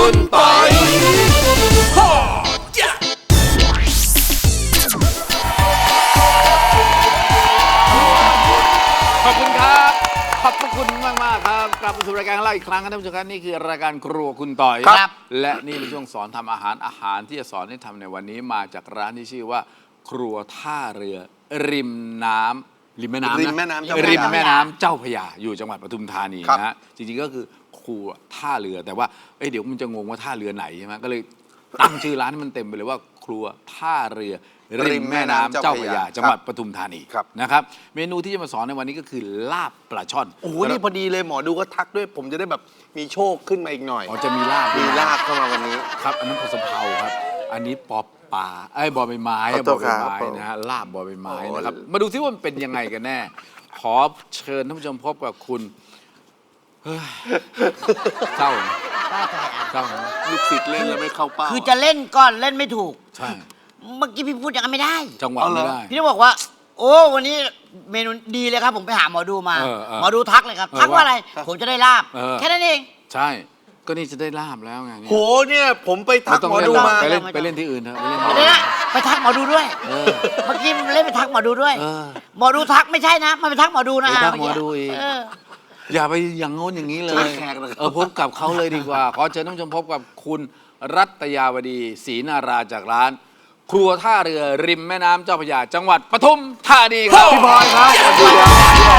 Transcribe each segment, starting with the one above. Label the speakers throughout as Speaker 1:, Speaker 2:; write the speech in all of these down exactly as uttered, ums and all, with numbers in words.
Speaker 1: คุณปอยขอบคุณครับขอบคุณมากมากครับกลับมาสู่รายการของเราอีกครั้งครับท่านผู้ชมครับนี่คือรายการครัวคุณต่อยครับและนี่เป็นช่วงสอนทำอาหารอาหารที่จะสอนให้ทำในวันนี้มาจากร้านที่ชื่อว่าครัวท่าเรือริมน้ำริมแม่น้ำนะ
Speaker 2: ริมแม่น้ำเจ้าพระยา
Speaker 1: ริมแม่น้ำเจ้าพระยาอยู่จังหวัดปทุมธานีนะฮะจริงๆก็คือครัวท่าเรือแต่ว่าเอ้ยเดี๋ยวมันจะงงว่าท่าเรือไหนใช่ไหมก็เลยตั้งชื่อร้านให้มันเต็มไปเลยว่าครัวท่าเรือริมแม่น้ำเจ้าพระยาจังหวัดปทุมธานีนะครับเมนูที่จะมาสอนในวันนี้ก็คือลาบปลาช่อน
Speaker 2: โอ้โหนี่พอดีเลยหมอดูก็ทักด้วยผมจะได้แบบมีโชคขึ้นมาอีกหน่อย
Speaker 1: อ๋อจะมีลาบ
Speaker 2: มีลาบเข้ามาวันนี้
Speaker 1: ครับอันนั้นผสมเผาครับอันนี้ปอปลาไอ้บอใบไม้บอใบไม้นะฮะลาบบอใบไม้นะครับมาดูซิว่ามันเป็นยังไงกันแน่ขอเชิญท่านผู้ชมพบกับคุณเศร้าเศร้า
Speaker 2: ลูกศิษย์เล่นแล้วไม่เข้าเป้า
Speaker 3: คือจะเล่นก่อนเล่นไม่ถูก
Speaker 1: ใช่
Speaker 3: เมื่อกี้พี่พูดอย่างนั้นไม่ได้
Speaker 1: จังหวะไม่ได้
Speaker 3: พี่ต้องบอกว่าโอ้วันนี้เมนูดีเลยครับผมไปหาหมอดูมาหมอดูทักเลยครับทักว่าอะไรผมจะได้ลาบแค่นั้นเอง
Speaker 1: ใช่ก็นี่จะได้ลาบแล้วไง
Speaker 2: โหเนี่ยผมไปทักหมอดูมา
Speaker 1: ไปเล่นไปเล่นที่อื่นเถอะไปเล่น
Speaker 3: ที่อื่นไปทักหมอดูด้วยเมื่อกี้เล่นไปทักหมอดูด้วยหมอดูทักไม่ใช่นะมันไปทักหมอดูนะ
Speaker 1: ไปทักหมอดูอีกอย่าไปอย่างโน้นอย่างนี้เลยเออพบกับเขาเลยดีกว่าขอเชิญท่านผู้ชมพบกับคุณรัตยาวดีศรีนาราจากร้านครัวท่าเรือริมแม่น้ำเจ้าพระยาจังหวัดปทุมธานีครับ
Speaker 2: พี่พลอยครับสวัสดีครับ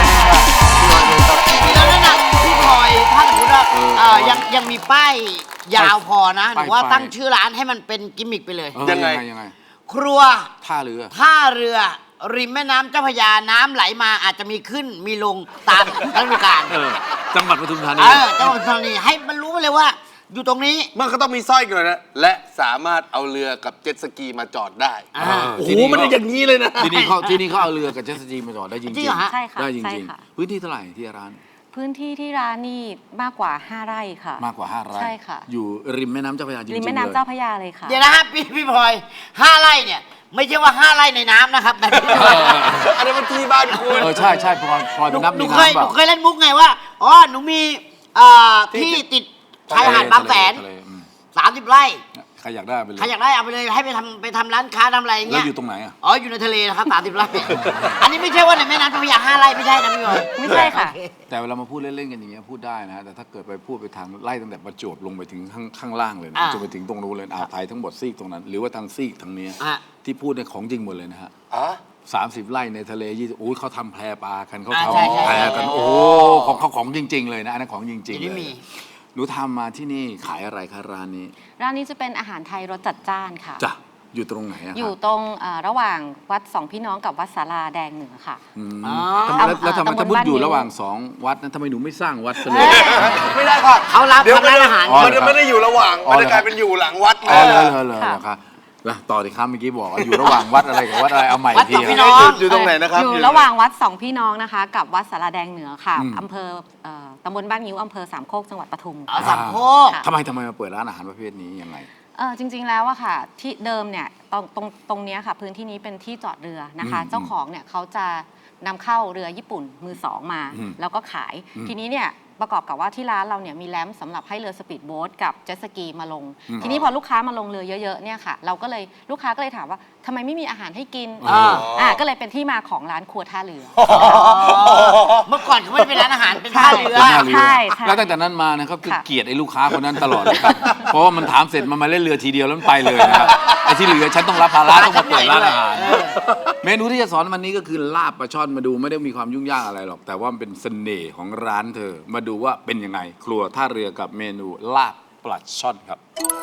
Speaker 3: พี่พลอยแล้วนั่นพี่พลอยถ้าสมมติว่ายังยังมีป้ายยาวพอนะหรือว่าตั้งชื่อร้านให้มันเป็นกิมมิคไปเลย
Speaker 1: ยังไงยังไง
Speaker 3: ครัว
Speaker 1: ท่าเรือ
Speaker 3: ท่าเรือริมแม่น้ำเจ้าพระยาน้ำไหลมาอาจจะมีขึ้นมีลงตามฤดูกาล
Speaker 1: จังหวัดปทุมธานี
Speaker 3: เออจังหวัดปทุมธานีให้มันรู้เลยว่าอยู่ตรงนี้
Speaker 2: มันก็ต้องมีสร้อยกันเลยนะและสามารถเอาเรือกับเจ็ตสกีมาจอดได้โอ้โหมันอย่างนี้เลยนะ
Speaker 1: ที่นี่เขาที่นี่เขาเอาเรือกับเจ็ตสกีมาจอดได้จริงจริง
Speaker 3: ใช่ค่ะ
Speaker 1: ได้จริงๆพื้นที่เท่าไหร่ที่ร้าน
Speaker 4: พื้นที่ที่ร้านนี่มากกว่าห้าไร่ค่ะ
Speaker 1: มากกว่าห้าไร่
Speaker 4: ใช่ค่ะ
Speaker 1: อยู่ริมแม่น้ำเจ้าพระยาจริงๆ
Speaker 4: ริมแม่น้ำเจ้าพระยาเลยค่ะ
Speaker 3: เดี๋ยวนะฮะพี่พี่พลอยห้าไร่เนี่ยไม่ใช่ว่าห้าไร่ในน้ำนะครับแต่
Speaker 2: อันนี้มันที่บ้านคุณ
Speaker 1: เออใช่ใช่พลอยพลอยเป็นนับ
Speaker 3: หนูเคยหนูเคยเล่นมุกไงว่าอ๋อหนูมีที่ติดชายหาดบางแสนสามสิบไร่
Speaker 1: ใครอยากได้ไปเลย
Speaker 3: ใครอยากได้เอาไปเลยให้ไปทำไปทำร้านค้าทำอะไรอย่างเงี้ย
Speaker 1: แล้วอยู่ตรงไหนอ่ะ
Speaker 3: อ๋ออยู่ในทะเลนะครับสามสิบไร่อันนี้ไม่ใช่ว่าในแม่น้ำเจ้าพระยาห้าไร่ไม่ใช่นะพี่บอย
Speaker 4: ไม่ใช่ค่ะ
Speaker 1: แต่เวลามาพูดเล่นๆกันอย่างเงี้ยพูดได้นะแต่ถ้าเกิดไปพูดไปทางไล่ตั้งแต่ประจวบลงไปถึงข้างข้างล่างเลยนะจนไปถึงตรงนู้นเลยอ่าวไทยทั้งหมดซีกตรงนั้นหรือว่าทางซีกทางนี้ที่พูดในของจริงหมดเลยนะฮะสามสิบไร่ในทะเลยี่สิบโอ้ยเขาทำแพปลากันเขาทำแพกันโอ้ของเขาของจริงๆเลยนะอันนั้นของจริงๆเลยหนูทำมาที่นี่ขายอะไรคะร้านนี้
Speaker 4: ร้านนี้จะเป็นอาหารไทยรสจัดจ้านค่ะ
Speaker 1: จ้ะอยู่ตรงไหนอะ
Speaker 4: อยู่ตรงระหว่างวัดสองพี่น้องกับวัดศาลาแดงเหนือค่ะ
Speaker 1: แล้วทำไมถ้ามุดอยู่ระหว่างสองวัดนั้นทำไมหนูไม่สร้างวัดซะเลย
Speaker 2: ไม่ได้ค่ะ
Speaker 3: เขารับทำร้านอาหาร
Speaker 2: มันไม่ได้อยู่ระหว่างมันจะกลายเป็นอยู่หลังวัด
Speaker 1: เลยเลยเลยนะครับต่อที่ครับเมื่อกี้บอกว่าอยู่ระหว่างวัดอะไรกับวัดอะไรเอาใหม่ที
Speaker 2: อยู่ตรงไหนนะครับ
Speaker 4: อยู่ระหว่างวัดสองพี่น้องนะคะกับวัดศาลาแดงเหนือค่ะอำเภอตำบลบ้านงิ้วอำเภอสามโคกจังหวัดปทุม
Speaker 3: สามโคก
Speaker 1: ทำไมทำไมมาเปิดร้านอาหารประเภทนี้ยังไง
Speaker 4: เออจริงๆแล้วอะค่ะที่เดิมเนี่ยตรงตรงตรงนี้ค่ะพื้นที่นี้เป็นที่จอดเรือนะคะเจ้าของเนี่ยเขาจะนำเข้าเรือญี่ปุ่นมือสองมาแล้วก็ขายทีนี้เนี่ยประกอบกับว่าที่ร้านเราเนี่ยมีแรมสำหรับให้เรือสปีดโบ๊ทกับเจ็ตสกีมาลงทีนี้พอลูกค้ามาลงเรือเยอะๆเนี่ยค่ะเราก็เลยลูกค้าก็เลยถามว่าทำไมไม่มีอาหารให้กินอ่าก็เลยเป็นที่มาของร้านครัวท่าเรือ
Speaker 3: เมื่อก่อนเขาไม่ได้เป็นร้านอาหารเป็นท่าเรือ
Speaker 4: ใช่
Speaker 1: แล้วตั้งแต่นั้นมานะครับคือเกลียดไอ้ลูกค้าคนนั้นตลอดเลยครับเพราะว่ามันถามเสร็จมันมาเล่นเรือทีเดียวแล้วมันไปเลยนะครับไอ้ที่เหลือฉันต้องรับภาระต้องมาเปิดร้านอาหารเมนูที่จะสอนวันนี้ก็คือลาบปลาช่อนมาดูไม่ได้มีความยุ่งยากอะไรหรอกแต่ว่ามันเป็นเสน่ห์ของร้านเธอมาดูว่าเป็นยังไงครัวท่าเรือกับเมนูลาบปลาช่อนครับ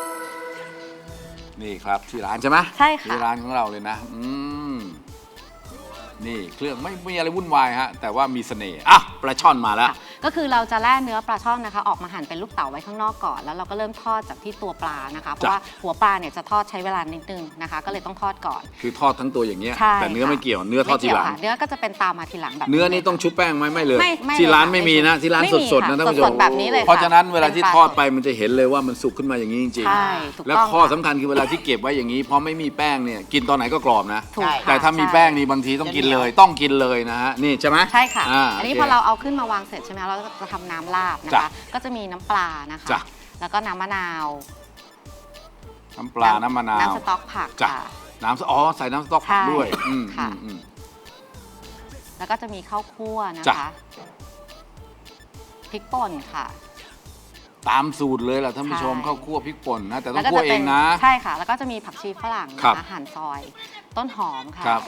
Speaker 1: นี่ครับที่ร้านใช่ไหม
Speaker 4: ใช่ค่ะ
Speaker 1: ที่ร้านของเราเลยนะอืมนี่เครื่องไม่มีอะไรวุ่นวายฮะแต่ว่ามีเสน่ห์อ่ะปลาช่อนมาแล้ว
Speaker 4: ก็คือเราจะแล่เนื้อปลาช่อนนะคะออกมาหั่นเป็นลูกเต๋าไว้ข้างนอกก่อนแล้วเราก็เริ่มทอดจากที่ตัวปลานะคะเพราะว่าหัวปลาเนี่ยจะทอดใช้เวลานิดนึงนะคะก็เลยต้องทอดก่อน
Speaker 1: คือทอดทั้งตัวอย่างเงี้ยแต่เนื้อไม่เกี่ยวเนื้อทอดทีหลัง
Speaker 4: เนื้อก็จะเป็นตามมาทีหลังแบบ
Speaker 1: เนื้อนี่ต้องชุบแป้งไหมไม่เลยที่ร้านไม่มีนะที่ร้านสดๆนะท่านผู้ชม
Speaker 4: แบบนี้เลย
Speaker 1: เพราะฉะนั้นเวลาที่ทอดไปมันจะเห็นเลยว่ามันสุกขึ้นมาอย่างนี้จริงๆแล้วข้อสำคัญคือเวลาที่เก็บไว้อย่างนี้เพราะไม่มีแป้งเนี่ยกินตอนไหนก็กรอบนะแต่ถ้ามีแป้งนี่บางทีต้องกินเลยต้องกินเลยนะฮะนี่ใช่ไหม
Speaker 4: ใช่ค่ะอันนี้พอเราเอาขึ้นมาวางเสร็จใช่ไหมเราจะทำน้ำลาบนะคะก็จะมีน้ำปลานะคะแล้วก็น้ำมะนาว
Speaker 1: น้ำปลา น้ำมะนาว
Speaker 4: น้ำสต๊อกผัก
Speaker 1: จ้ะ
Speaker 4: ค่ะ
Speaker 1: น้ำสอ๋อใส่น้ำสต๊อกผัก
Speaker 4: ใช่
Speaker 1: ด้วยอืม
Speaker 4: ค่ะ
Speaker 1: อืมอืม
Speaker 4: แล้วก็จะมีข้าวคั่วนะ
Speaker 1: จ้ะ
Speaker 4: คะพริกป่นค่ะ
Speaker 1: ตามสูตรเลยล่ะท่านผู้ชม
Speaker 4: ใช่
Speaker 1: ข้าวคั่วพริกป่นนะแต่ต้
Speaker 4: แล้
Speaker 1: อง
Speaker 4: วก็
Speaker 1: คั่ว
Speaker 4: จะ
Speaker 1: เอ
Speaker 4: เป็น
Speaker 1: งนะ
Speaker 4: ใช่ค่ะ แล้วก็จะมีผักชีฝรั่ง
Speaker 1: ครั
Speaker 4: นะ
Speaker 1: บ
Speaker 4: คะหั่นซอย ต้นหอมค่ะ
Speaker 1: ครับ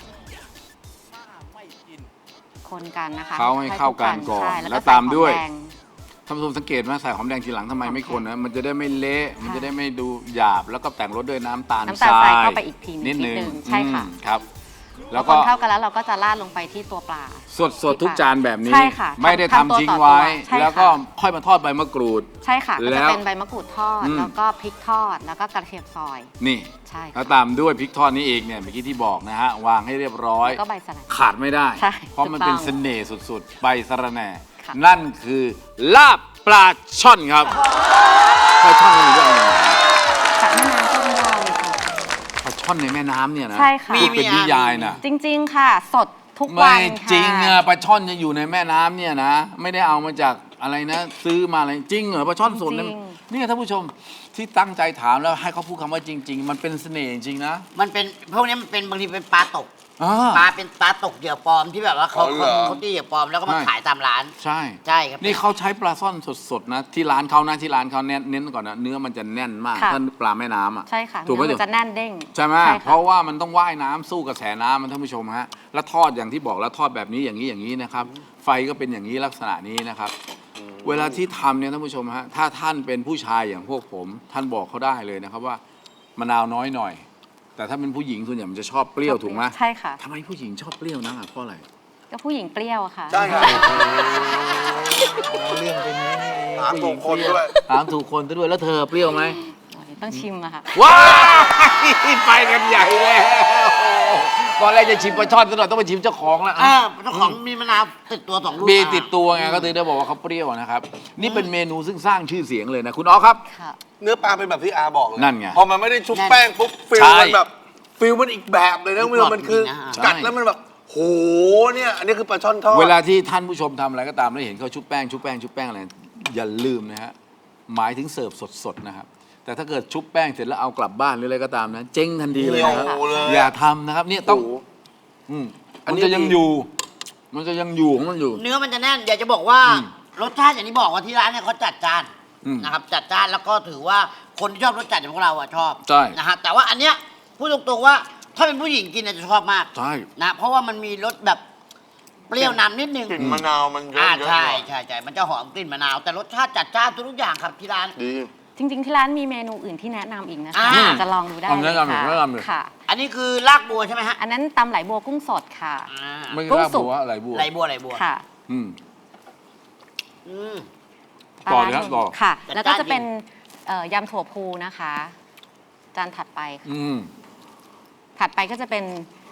Speaker 4: คนกันนะคะ
Speaker 1: เขาให้เข้ากันก่อน
Speaker 4: ใช่แล้ว
Speaker 1: แล้
Speaker 4: ก็
Speaker 1: วตามด้วย
Speaker 4: ใส่หอแง
Speaker 1: ท่านผู้ชมสังเกตไหมใส่หอมแดงทีหลังทำไมไม่
Speaker 4: โอเค
Speaker 1: คนนะมันจะได้ไม่เละมันจะได้ไม่ดูหยาบแล้วก็แต่งรสด้วยน้ำตาล
Speaker 4: น้ำตาลทรายเข้าไปอีกที
Speaker 1: นิดนึง
Speaker 4: นิดนึงใช่ค่ะ
Speaker 1: อืมครับ
Speaker 4: แล้
Speaker 1: แล้ว ว
Speaker 4: ค
Speaker 1: ก็
Speaker 4: นเข้ากันแล้วเราก็จะราดลงไปที่ตัวปลา
Speaker 1: สดสดๆทุกจานแบบนี้
Speaker 4: ใช่ค่ะ
Speaker 1: ไม่ได้
Speaker 4: ทำ
Speaker 1: ทำ
Speaker 4: ตัว
Speaker 1: ทิ้ง
Speaker 4: ต่อ
Speaker 1: ไว้
Speaker 4: ตัวใช่ค่ะ
Speaker 1: แล้วก็ค่อยมาทอดใบมะกรูด
Speaker 4: ใช่ค่ะก็
Speaker 1: แล้
Speaker 4: จะ
Speaker 1: ว
Speaker 4: เป็นใบมะกรูดทอด
Speaker 1: อืม
Speaker 4: แล้วก็พริกทอด แล้วก็กระเทียมซอย
Speaker 1: นี่
Speaker 4: ใช่
Speaker 1: แล้ว
Speaker 4: ค่ะ
Speaker 1: ตามด้วยพริกทอดนี้เองเนี่ยเมื่อกี้ที่บอกนะฮะวางให้เรียบร้อย
Speaker 4: แล้วก็ใบสะระ
Speaker 1: ขาดไม่ได้
Speaker 4: ใช่
Speaker 1: เพราะมัน
Speaker 4: ถูกต้อง
Speaker 1: เป็นเสน่ห์สุดๆ ใบสะระแหน่
Speaker 4: ค่ะ
Speaker 1: นั่นคือลาบปลาช่อนครับปลาช่อนมันเป็นยังไง
Speaker 4: จากแม่น้ำก็ไม่ได้เลยค่ะ
Speaker 1: ปลาช่อนในแม่น้ำเนี่ยนะ
Speaker 4: ใช่ค่ะ
Speaker 1: ที่เป็นนิยายนะ
Speaker 4: จริงๆ ค่ะ สดทุกวั
Speaker 1: ไม่
Speaker 4: นค่ะ
Speaker 1: จริงอะปลาช่อนจะอยู่ในแม่น้ำเนี่ยนะ ไม่ได้เอามาจากอะไรนะ ซื้อมาอะไรจริงเหรอปลาช่อนสดเนี่ย
Speaker 4: จริง
Speaker 1: นี่ท่านผู้ชมที่ตั้งใจถามแล้วให้เขาพูดคำว่าจริง ๆ มันเป็นเสน่ห์จริงๆนะ
Speaker 3: มันเป็นพวกนี้มันเป็นบางทีเป็นปลาตก
Speaker 1: อ่า
Speaker 3: ปลาเป็นปลาตกเหยื่อปลอมที่แบบว่าเขา
Speaker 2: อ๋อเหรอ
Speaker 3: เขาตีเหยื่อปลอมแล้วก็มา
Speaker 1: ใช่
Speaker 3: ขายตามร้าน
Speaker 1: ใช่
Speaker 3: ใช่ครับ
Speaker 1: นี่เขาใช้ปลาซ่อนสดๆนะที่ร้านเขานะที่ร้านเขาเน้นเน้นก่อนนะเนื้อมันจะแน่นมาก
Speaker 4: ค่ะ
Speaker 1: ถ้าปลาแม่น้ำอ่ะ
Speaker 4: ใช่ค่ะ
Speaker 1: ถูกไหม
Speaker 4: เนื้อมันจะแน่นเด้ง
Speaker 1: ใช่ไหม
Speaker 4: ค่ะ
Speaker 1: เพราะว่ามันต้องว่ายน้ำสู้กระแสน้ำมันท่านผู้ชมฮะแล้วทอดอย่างที่บอกแล้วทอดแบบนี้อย่างนี้อย่างนี้นะครับ ไฟก็เป็นอย่างนี้ลักษณะนี้นะครับ เวลาที่ทำเนี่ยท่านผู้ชมฮะถ้าท่านเป็นผู้ชายอย่างพวกผม ท่านบอกเขาได้เลยนะครับว่ามะนาวน้อยหน่อย แต่ถ้าเป็นผู้หญิงส่วนใหญ่มันจะชอบเปรี้ยวถูกไหม
Speaker 4: ใช่ค่ะ
Speaker 1: ทำไมผู้หญิงชอบเปรี้ยวนักอ่ะเพราะอะไร
Speaker 4: ก็ผู้หญิงเปรี้ยวอะค่ะ
Speaker 2: ใช่ครับ
Speaker 1: เรื่องเป็นนี้นี่เอง
Speaker 2: ถามถูกคนด้วย
Speaker 1: ถามถูกคนซะด้วยแล้วเธอเปรี้ยวไหม
Speaker 4: ต้องชิมอะค่ะ
Speaker 1: ว้ายไปกันใหญ่แล้วตอนแรกจะชิมปลาช่อนซะหน่อยต้องไปชิมเจ้าของแล้ว
Speaker 3: อ่าเจ้าของมีมะนาวติดตัวสองลูก
Speaker 1: มีติดตัวไงก็ถึงได้บอกว่าเขาเปรี้ยวนะครับ นี่เป็นเมนูซึ่งสร้างชื่อเสียงเลยนะคุณอ๋อครับ
Speaker 4: ค่ะ
Speaker 2: เนื้อปลาเป็นแบบที่อาบอกเลย
Speaker 1: นั่นไง
Speaker 2: พอมันไม่ได้ชุบแป้งปุ๊บฟิล
Speaker 1: ใช่
Speaker 2: มันแบบฟิลมันอีกแบบเลยนะคุณผู้ชมมันคือ
Speaker 1: ใช่
Speaker 2: กัดแล้วมันแบบโหเนี่ยอันนี้คือปลาช่อนทอด
Speaker 1: เวลาที่ท่านผู้ชมทำอะไรก็ตามแล้วเห็นเขาชุบแป้งชุบแป้งชุบแป้งอะไรอย่าลืมนะฮะหมายถึงเสิร์ฟสดๆนะครับแต่ถ้าเกิดชุบแป้งเสร็จแล้วเอากลับบ้านหรืออะไรก็ตามนะเจ๊งทันทีเลยนะครับ
Speaker 2: โอ้โหเลย
Speaker 1: อย่าทำนะครับเนี่ยต้อง
Speaker 2: โโห
Speaker 1: อืม
Speaker 2: อัน
Speaker 1: มัน
Speaker 2: นี้
Speaker 1: จะยัง
Speaker 2: ดี
Speaker 1: อยู่ มันจะยังอยู่ของมันอยู่
Speaker 3: เนื้อมันจะแน่นอยากจะบอกว่า
Speaker 1: อืม
Speaker 3: รสชาติอย่างที่บอกว่าที่ร้านเนี่ยเขาจัดจาน
Speaker 1: อืม
Speaker 3: นะครับจัดจานแล้วก็ถือว่าคนที่ชอบรสจัดอย่างพวกเราอะชอบ
Speaker 1: ใช่
Speaker 3: นะฮะแต่ว่าอันเนี้ยพูดตรงๆว่าถ้าเป็นผู้หญิงกินเนี่ยจะชอบมาก
Speaker 1: ใช่
Speaker 3: นะเพราะว่ามันมีรสแบบเปรี้ยวนำนิดนึง
Speaker 2: กลิ่นมะนาวมันเยอะ
Speaker 3: อ่า
Speaker 2: เยอะ
Speaker 3: ใช่
Speaker 2: หน่อย
Speaker 3: ใช่ใช่มันจะหอมกลิ่นมะนาว แต่รสชาติจัดจ้านทุกๆอย่างครับที่ร้าน
Speaker 2: ดี
Speaker 4: จริง ๆ ที่ร้านมีเมนูอื่นที่แนะนำอีกนะคะ
Speaker 3: อ่า
Speaker 4: จะลองดูได้
Speaker 1: เอา
Speaker 4: เล
Speaker 1: แนะ
Speaker 4: ย
Speaker 1: นำหน่อย
Speaker 4: ค่ะ
Speaker 1: แนะนำหน่อย
Speaker 4: ค่ะ
Speaker 3: อันนี้คือลากบัวใช่ไหมฮะ
Speaker 4: อันนั้นตำไหลบัวกุ้งสดค่ะ
Speaker 3: อ่า
Speaker 1: ไม่
Speaker 4: กุ้
Speaker 1: ก
Speaker 4: ง
Speaker 1: ล้า
Speaker 4: สุ
Speaker 1: บั
Speaker 4: ก
Speaker 1: วอะไรบัว
Speaker 3: ไหลบัวไหลบัว
Speaker 4: ค่ะ
Speaker 1: อืม
Speaker 3: อืม
Speaker 1: ต่อเลยครับต่อ
Speaker 4: ค่ะ
Speaker 3: จัด
Speaker 4: แล้วก็
Speaker 3: จ้าน
Speaker 4: จะเป็น
Speaker 3: จริ
Speaker 4: เอ่อยำถั่วพูนะคะ จานถัดไปค่ะ
Speaker 1: อืม
Speaker 4: ถัดไปก็จะเป็น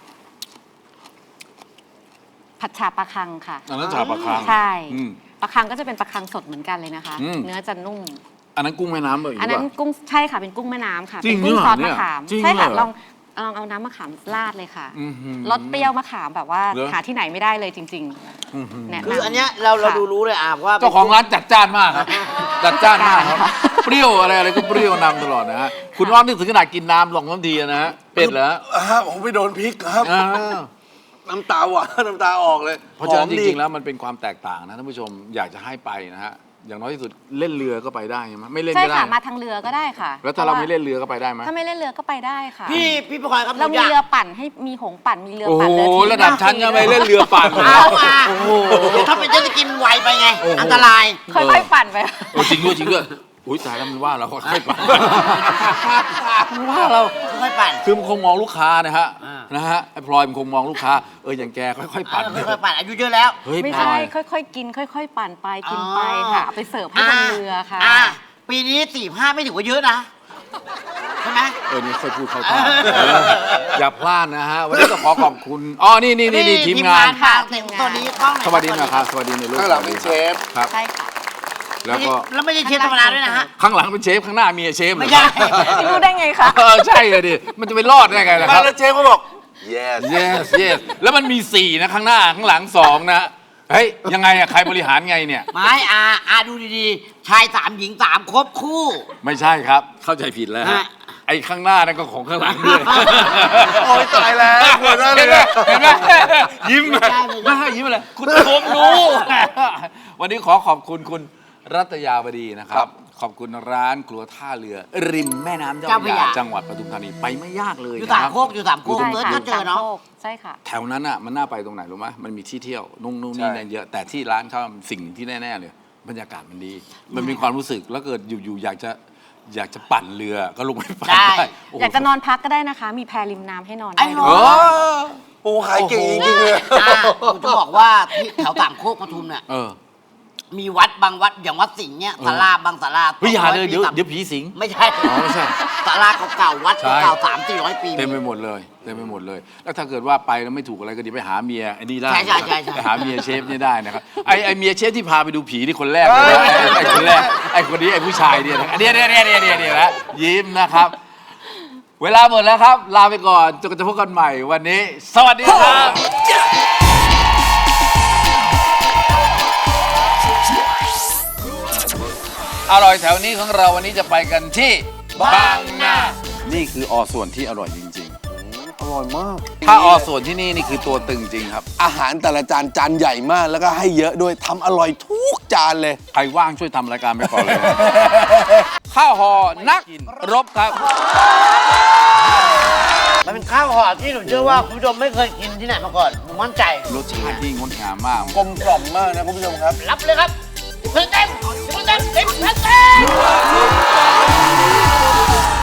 Speaker 4: ผัดฉาปลาคังค่ะ
Speaker 1: อันนั้นฉาปลาคัง
Speaker 4: ใช่
Speaker 1: อืม
Speaker 4: ปลาคังก็จะเป็นปลาคังสดเหมือนกันเลยนะคะ
Speaker 1: อืม
Speaker 4: เนื้อจะนุ่ม
Speaker 1: อันนั้นกุ้งแม่น้ำเลย
Speaker 4: อันนั้นกุ้งใช่ค่ะเป็นกุ้งแม่น้ำค่ะ
Speaker 1: จริ
Speaker 4: เป็
Speaker 1: ง
Speaker 4: นกุ้ง
Speaker 1: เหรอ
Speaker 4: ซอส
Speaker 1: เนี่
Speaker 4: มะ
Speaker 1: ย
Speaker 4: ขาม
Speaker 1: จริง
Speaker 4: ใช่ค่ะ
Speaker 1: เหรอ
Speaker 4: ลองลองเอาน้ำมะขามราดเลยค่ะ
Speaker 1: อื้อหือ
Speaker 4: รสเปรี้ยวมะขามแบบว่า
Speaker 1: เหรอ
Speaker 4: หาที่ไหนไม่ได้เลยจริง
Speaker 1: อื้อหือ
Speaker 4: ๆแนะนำ
Speaker 3: คืออันเนี้ยเราเรา
Speaker 4: ค่ะ
Speaker 3: ดูรู้เลยอ่ะว่า
Speaker 1: เจ้าของร้านจัดจ้านมากครับ จัดจ้านมากครับ
Speaker 4: ค่ะ
Speaker 1: เปรี้ยวอะไรอะไรก็เปรี้ยวนำตลอดนะฮะ คุณอ้อมนึกถึงขนาดกินน้ำลองน้ำทีนะฮะ เป็ดเหรอ
Speaker 2: อ่าผมไปโดนพริกครับ
Speaker 1: อ่า
Speaker 2: น้ำตาหวาน น้ำตาออกเลย
Speaker 1: เพราะฉะนั้น
Speaker 2: ห
Speaker 1: จ
Speaker 2: อมดี
Speaker 1: ริงๆแล้วมันเป็นความแตกต่างนะท่านผู้ชมอยากจะให้ไปนะฮะ อย่างน้อยที่สุดเล่นเรือก็ไปได้ใช่ไหมไม่เล่น
Speaker 4: ใช่
Speaker 1: ก็ได้
Speaker 4: ค่ะมาทางเรือก็ได้ค่ะ
Speaker 1: แล้วถ้าเราไม่
Speaker 4: พะ
Speaker 1: เล่นเรือก็ไปได้ไหม
Speaker 4: ถ้าไม่เล่นเรือก็ไปได้ค่ะ
Speaker 3: พี่พี่ประคอยครับ
Speaker 4: เรามี
Speaker 3: ยก
Speaker 4: เรือปั่นให้มีหงส์ปั่นมีเรือ
Speaker 1: โอ้โห
Speaker 4: ปั่นเรือทิ้ง
Speaker 1: ระดับชั้นยังไม่เล่นเรือปั่น
Speaker 3: เอาอ่ะ
Speaker 1: โอ้โห
Speaker 3: เดี๋ยวถ้าเป็นเจ็ตสกีมันไวไปไง
Speaker 1: โอ้โห
Speaker 3: อันตราย
Speaker 4: ค่อยๆปั่นไป
Speaker 1: โอ้จริงด้วยจริงด้วยอุ้ยตายแล้วมันว่าเราค่อยๆปั่นมันว่าเรา
Speaker 3: ค่อยๆปั่น
Speaker 1: คือมันคงมองลูกค้านะฮะ
Speaker 3: อ่าน
Speaker 1: นะฮะไอ้พลอยมันคงมองลูกค้าเอออย่างแกค่อยๆปั่น
Speaker 3: เออค่อยๆปั่นอายุเยอะแล้ว
Speaker 1: เฮ้ย
Speaker 4: ไม่
Speaker 1: พล
Speaker 4: ใช่
Speaker 1: อย
Speaker 4: ค่อยๆกิน ค่อย ๆ ปั่นไปกิน
Speaker 3: อ๋อ
Speaker 4: ไปค่ะเอาไปเสิร์ฟให้บนเรือค่ะ
Speaker 3: อ่ปีนี้สี่ห้าไม่ถือว่าเยอะนะใช่ไหม
Speaker 1: เออนี่ค่อยพูดเข้าท่าเอออย่าพลาดนะฮะวันนี้ก็ขอขอบคุณอ๋อนี่นี่นี่นี่ทีมงาน
Speaker 3: ค่ะเต็มตัวนี้กล้องไหน
Speaker 1: สวัสดีนะครับสวัสดีในลูก
Speaker 2: ข้างหลังเป็นเชฟ
Speaker 1: ครับ
Speaker 4: ใช่ค่ะ
Speaker 1: แล้วก็
Speaker 3: แล้วไม่ใช่เชฟธรรมดาด้วยนะฮะ
Speaker 1: ข้างหลังเป็นเชฟข้างหน้ามีเชฟเหรอ
Speaker 3: ไม่ใช่
Speaker 4: ไม่รู้ได้ไงคะ
Speaker 1: เออใช่เลยดิมันจะไปรอดได้ไงล่ะค
Speaker 2: มา
Speaker 1: รับ
Speaker 2: แล้วเชฟก็บอก yes
Speaker 1: yes yes แล้วมันมีสี่นะข้างหน้าข้างหลังสองนะเฮ้ยยังไงอะใครบริหารไงเนี่ย
Speaker 3: ไม่อาอาดูดีๆ ชายสามหญิงสามครบคู่
Speaker 1: ไม่ใช่ครับ เข้าใจผิดแล้วฮะ
Speaker 3: ฮะ
Speaker 1: ไอ้ข้างหน้านั่นก็ของข้างหลังด้วย
Speaker 2: โอ้ยตายแล้วปวดมากเล
Speaker 1: เห็
Speaker 2: ย
Speaker 1: นไหม
Speaker 2: นะ
Speaker 1: เห็นไหมยิ้มเลยไม่ให้ยิ้มเลยคุณชมรู้ วันนี้ขอขอบคุณคุณรัตยาวดีนะครับ ขอบคุณร้านครัวท่าเรือ ริมแม่น้ำเจ้า
Speaker 3: เจ้า
Speaker 1: พ
Speaker 3: พ
Speaker 1: ระ
Speaker 3: ระ
Speaker 1: ยาย
Speaker 3: า
Speaker 1: จังหวัดปทุมธานีไปไม่ยากเลย
Speaker 3: อยู่
Speaker 1: นะ
Speaker 3: สาม
Speaker 1: ครับ
Speaker 3: โคกอยู่สามโคก
Speaker 4: ใช่
Speaker 3: เบิร์ด
Speaker 4: ค่ะ
Speaker 3: ก็เจอเนาะ
Speaker 4: สามโคกใช่ค่ะ
Speaker 1: แถวนั้นอ่ะมันน่าไปตรงไหนรู้ไหมมันมีที่เที่ยวนุ่งนู่นนี่นั่นเยอะแต่ที่ร้านเขาสิ่งหนึ่งที่แน่ๆเลยบรรยากาศมันดี มันมีความรู้สึกแล้วเกิดอยู่ๆอยากจะอยากจะปั่นเรือก็ลงไปปั่น
Speaker 3: ได้
Speaker 1: ได้โโห
Speaker 4: อยากจะนอนพักก็ได้นะคะ มีแพริมน้ำให้นอน
Speaker 3: ไอ้
Speaker 4: ได้
Speaker 3: หนู
Speaker 4: ด้วย
Speaker 1: เออ
Speaker 2: โอ้ขายเก่งจริงๆเลย
Speaker 3: อ่าผมจะบอกว่าที่แถวสามโคกปทุมเนี่ย
Speaker 1: เออ
Speaker 3: มีวัดบางวัดอย่างวัดสิงห์เนี่ยศาลาบางศาลา
Speaker 1: เฮ้ยอย่าเลยเดี๋ยว
Speaker 3: สองร้อปี
Speaker 1: เดี๋ยวผีสิง
Speaker 3: ไม่ใช่
Speaker 1: อ๋อไม่ใช่
Speaker 3: ศาลาเก่าๆวัด
Speaker 1: ใช่
Speaker 3: เก่าๆสามสี่ร้อยปี
Speaker 1: เต็มไปหมดเลยเต็มไปหมดเลย แล้วถ้าเกิดว่าไปแล้วไม่ถูกอะไรก็เดี๋ยวไปหาเมียไอ้นี่ได้
Speaker 3: ใช่ใช่ใช่ใช่
Speaker 1: ไปหาเมียเชฟนี่ได้นะครับไอ้ไอ้เมียเชฟที่พาไปดูผีนี่คนแรกเลยนะไอ้คนแรกไอ้คนนี้ไอ้ผู้ชายเนี่ยนะเนี่ยเนี่ยเนี่ยเนี่ยเนี่ยเนี่ยนะยิ้มนะครับ เวลาหมดแล้วครับ ลาไปก่อนจนกว่าจะพบกันใหม่วันนี้ สวัสดีครับ อร่อยแถวนี้ของเราวันนี้จะไปกันที่บางนานี่คืออส่วนที่อร่อยจริง
Speaker 2: อร่อยมาก
Speaker 1: ๆ ถ้าอส่วนที่นี่นี่คือตัวตึงจริงครับ
Speaker 2: อาหารแต่ละจานจานใหญ่มากแล้วก็ให้เยอะด้วยทำอร่อยทุกจานเลย
Speaker 1: ใครว่างช่วยทำรายการไปก่อนเลย ข้าวห่อนักรบครับ
Speaker 3: มันเป็นข้าวห่อที่หนูเชื่อว่าคุณผู้ชมไม่เคยกินที่ไหนมาก่อนผมมั่นใจ
Speaker 1: รสชาติที่งดงามมาก
Speaker 2: กลมกล่อมมากนะคุณผู้ชมครับ
Speaker 3: รับเลยครับสิบเปอร์เซ็นต์สิบเปอร์เซ็นต์สิบเปอร์เซ็นต์